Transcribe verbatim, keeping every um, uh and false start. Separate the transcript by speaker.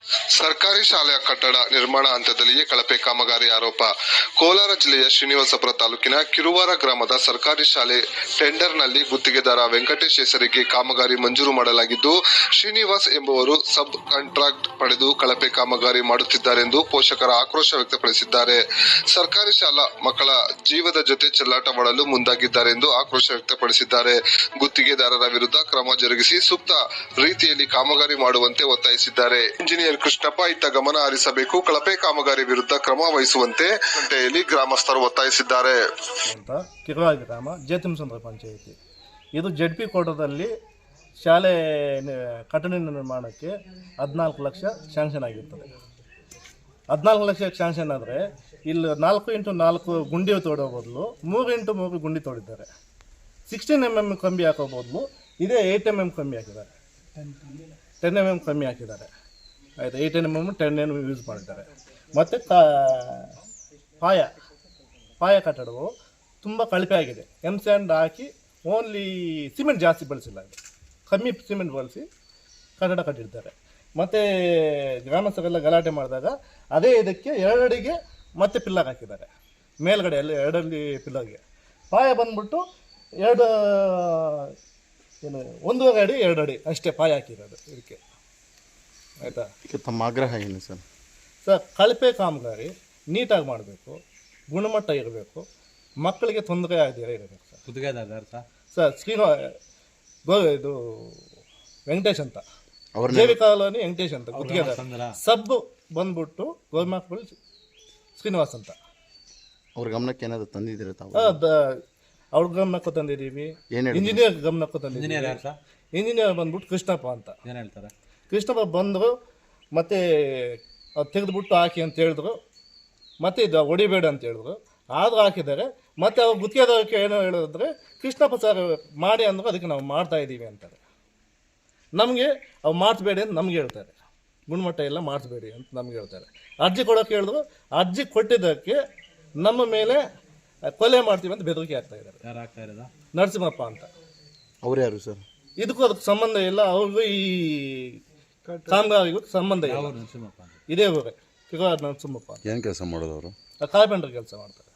Speaker 1: ಸರ್ಕಾರಿ ಶಾಲೆಯ ಕಟ್ಟಡ ನಿರ್ಮಾಣ ಹಂತದಲ್ಲಿಯೇ ಕಳಪೆ ಕಾಮಗಾರಿ ಆರೋಪ. ಕೋಲಾರ ಜಿಲ್ಲೆಯ ಶ್ರೀನಿವಾಸಪುರ ತಾಲೂಕಿನ ಕಿರುವಾರ ಗ್ರಾಮದ ಸರ್ಕಾರಿ ಶಾಲೆ ಟೆಂಡರ್ನಲ್ಲಿ ಗುತ್ತಿಗೆದಾರ ವೆಂಕಟೇಶ್ ಹೆಸರಿಗೆ ಕಾಮಗಾರಿ ಮಂಜೂರು ಮಾಡಲಾಗಿದ್ದು, ಶ್ರೀನಿವಾಸ್ ಎಂಬುವರು ಸಬ್ ಕಾಂಟ್ರಾಕ್ಟ್ ಪಡೆದು ಕಳಪೆ ಕಾಮಗಾರಿ ಮಾಡುತ್ತಿದ್ದಾರೆಂದು ಪೋಷಕರ ಆಕ್ರೋಶ ವ್ಯಕ್ತಪಡಿಸಿದ್ದಾರೆ. ಸರ್ಕಾರಿ ಶಾಲಾ ಮಕ್ಕಳ ಜೀವದ ಜೊತೆ ಚೆಲ್ಲಾಟವಾಡಲು ಮುಂದಾಗಿದ್ದಾರೆಂದು ಆಕ್ರೋಶ ವ್ಯಕ್ತಪಡಿಸಿದ್ದಾರೆ. ಗುತ್ತಿಗೆದಾರರ ವಿರುದ್ಧ ಕ್ರಮ ಜರುಗಿಸಿ ಸೂಕ್ತ ರೀತಿಯಲ್ಲಿ ಕಾಮಗಾರಿ ಮಾಡುವಂತೆ ಒತ್ತಾಯಿಸಿದ್ದಾರೆ. ಇಂಜಿನಿಯರ್ ಕೃಷ್ಣಪ್ಪ ಇತ್ತ ಗಮನ ಹರಿಸಬೇಕು, ಕಳಪೆ ಕಾಮಗಾರಿ ವಿರುದ್ಧ ಕ್ರಮ ವಹಿಸುವಂತೆ ಗಂಟೆಯಲ್ಲಿ ಗ್ರಾಮಸ್ಥರು ಒತ್ತಾಯಿಸಿದ್ದಾರೆ.
Speaker 2: ಕಿರುವಾರ ಗ್ರಾಮ ಜೇತುಮಸಂದ್ರ ಪಂಚಾಯಿತಿ ಇದು ಜೆಡ್ ಪಿ ಕೋಟದಲ್ಲಿ ಶಾಲೆ ಕಟ್ಟಡ ನಿರ್ಮಾಣಕ್ಕೆ ಹದಿನಾಲ್ಕು ಲಕ್ಷ ಶಾಂಕ್ಷನ್ ಆಗಿರ್ತದೆ. ಹದಿನಾಲ್ಕು ಲಕ್ಷ ಶಾಂಕ್ಷನ್ ಆದರೆ ಇಲ್ಲಿ ನಾಲ್ಕು ಇಂಟು ನಾಲ್ಕು ಗುಂಡಿ ತೋಡೋ ಬದಲು ಮೂರು ಇಂಟು ಮೂರು ಗುಂಡಿ ತೋಡಿದ್ದಾರೆ. ಸಿಕ್ಸ್ಟೀನ್ ಎಮ್ ಎಮ್ ಕಂಬಿ ಹಾಕೋ ಬದಲು ಇದೇ ಏಯ್ಟ್ ಎಮ್ ಎಮ್ ಕಂಬಿ ಹಾಕಿದ್ದಾರೆ, ಟೆನ್ ಎಮ್ ಎಮ್ ಕಮ್ಮಿ ಹಾಕಿದ್ದಾರೆ. ಆಯಿತು, eight M M ten M use ಮಾಡಿದ್ದಾರೆ. ಮತ್ತು ಕಾ ಪಾಯ ಪಾಯ ಕಟ್ಟಡವು ತುಂಬ ಕಳಪೆ ಆಗಿದೆ. ಎಮ್ ಸ್ಯಾಂಡ್ ಹಾಕಿ ಓನ್ಲಿ ಸಿಮೆಂಟ್ ಜಾಸ್ತಿ ಬಳಸಿಲ್ಲ, ಕಮ್ಮಿ ಸಿಮೆಂಟ್ ಬಳಸಿ ಕಟ್ಟಡ ಕಟ್ಟಿರ್ತಾರೆ. ಮತ್ತು ಗ್ರಾಮಸ್ಥರೆಲ್ಲ ಗಲಾಟೆ ಮಾಡಿದಾಗ ಅದೇ ಇದಕ್ಕೆ ಎರಡಡಿಗೆ ಮತ್ತೆ ಪಿಲ್ಲರ್ ಹಾಕಿದ್ದಾರೆ. ಮೇಲ್ಗಡೆ ಅಲ್ಲಿ ಎರಡಲ್ಲಿ ಪಿಲ್ಲರ್ಗೆ ಪಾಯ ಬಂದ್ಬಿಟ್ಟು ಎರಡು ಏನು ಒಂದೂವರೆ ಅಡಿ ಎರಡು ಅಡಿ ಅಷ್ಟೇ ಪಾಯ ಹಾಕಿರೋದು ಇದಕ್ಕೆ. ಆಯಿತಾ,
Speaker 3: ಈಗ ತಮ್ಮ ಆಗ್ರಹ ಏನು ಸರ್?
Speaker 2: ಸರ್, ಕಳಪೆ ಕಾಮಗಾರಿ ನೀಟಾಗಿ ಮಾಡಬೇಕು, ಗುಣಮಟ್ಟ ಇರಬೇಕು, ಮಕ್ಕಳಿಗೆ ತೊಂದರೆ ಆಗದಿರ ಇರಬೇಕು ಸರ್.
Speaker 4: ಗುತ್ತಿಗೆದಾರ ಸರ್
Speaker 2: ಸರ್ ಶ್ರೀನಿವಾ ಗೋ ಇದು ವೆಂಕಟೇಶ್ ಅಂತ, ಜೇವಿ ಕಾಲೋನಿ ವೆಂಕಟೇಶ್ ಅಂತ ಗುತ್ತಿಗೆದಾರ. ಸಬ್ ಬಂದ್ಬಿಟ್ಟು ಗೋರ್ಮಾಕ್ಬಲ್ ಶ್ರೀನಿವಾಸ್ ಅಂತ.
Speaker 3: ಅವ್ರ ಗಮನಕ್ಕೆ ಏನಾದರೂ ತಂದಿದ್ದೀರ ತಾವು?
Speaker 2: ಅವ್ರ ಗಮನಕ್ಕೂ ತಂದಿದ್ದೀವಿ, ಇಂಜಿನಿಯರ್ ಗಮನಕ್ಕೂ ತಂದಿದ್ದೀವಿ. ಇಂಜಿನಿಯರ್ ಬಂದ್ಬಿಟ್ಟು ಕೃಷ್ಣಪ್ಪ ಅಂತ.
Speaker 4: ಏನು ಹೇಳ್ತಾರೆ?
Speaker 2: ಕೃಷ್ಣಪ್ಪ ಬಂದರು, ಮತ್ತು ಅದು ತೆಗೆದುಬಿಟ್ಟು ಹಾಕಿ ಅಂತ ಹೇಳಿದ್ರು, ಮತ್ತು ಇದು ಹೊಡಿಬೇಡ ಅಂತ ಹೇಳಿದ್ರು. ಆದರೂ ಹಾಕಿದ್ದಾರೆ. ಮತ್ತು ಅವ್ರು ಗುತ್ತಿಗೆದಾರಕ್ಕೆ ಏನೋ ಹೇಳಿದ್ರೆ ಕೃಷ್ಣಪ್ಪ ಸರ್ ಮಾಡಿ ಅಂದರು, ಅದಕ್ಕೆ ನಾವು ಮಾಡ್ತಾಯಿದ್ದೀವಿ ಅಂತಾರೆ. ನಮಗೆ ಅವು ಮಾಡಿಸ್ಬೇಡಿ ಅಂತ ನಮ್ಗೆ ಹೇಳ್ತಾರೆ, ಗುಣಮಟ್ಟ ಎಲ್ಲ ಮಾಡಿಸ್ಬೇಡಿ ಅಂತ ನಮ್ಗೆ ಹೇಳ್ತಾರೆ. ಅರ್ಜಿ ಕೊಡೋಕೆ ಹೇಳಿದ್ರು, ಅರ್ಜಿ ಕೊಟ್ಟಿದ್ದಕ್ಕೆ ನಮ್ಮ ಮೇಲೆ ಕೊಲೆ ಮಾಡ್ತೀವಿ ಅಂತ ಬೆದರಿಕೆ ಆಗ್ತಾ ಇದ್ದಾರೆ.
Speaker 4: ಯಾರು ಆಗ್ತಾ ಇರೋದು?
Speaker 2: ನರಸಿಂಹಪ್ಪ ಅಂತ.
Speaker 3: ಅವ್ರು ಯಾರು ಸರ್?
Speaker 2: ಇದಕ್ಕೂ ಅದಕ್ಕೆ ಸಂಬಂಧ ಇಲ್ಲ, ಅವ್ರಿಗೂ ಈ ಕಾಮಗಾರಿಗೂ ಸಂಬಂಧ ಇಲ್ಲ. ಇದೇ ಊರೇ ಕಿರುವಾರ ನರಸಿಂಹಪ್ಪ.
Speaker 5: ಏನು ಕೆಲಸ ಮಾಡೋದು ಅವರು?
Speaker 2: ಕಾರ್ಪೆಂಟರ್ ಕೆಲಸ ಮಾಡ್ತಾರೆ.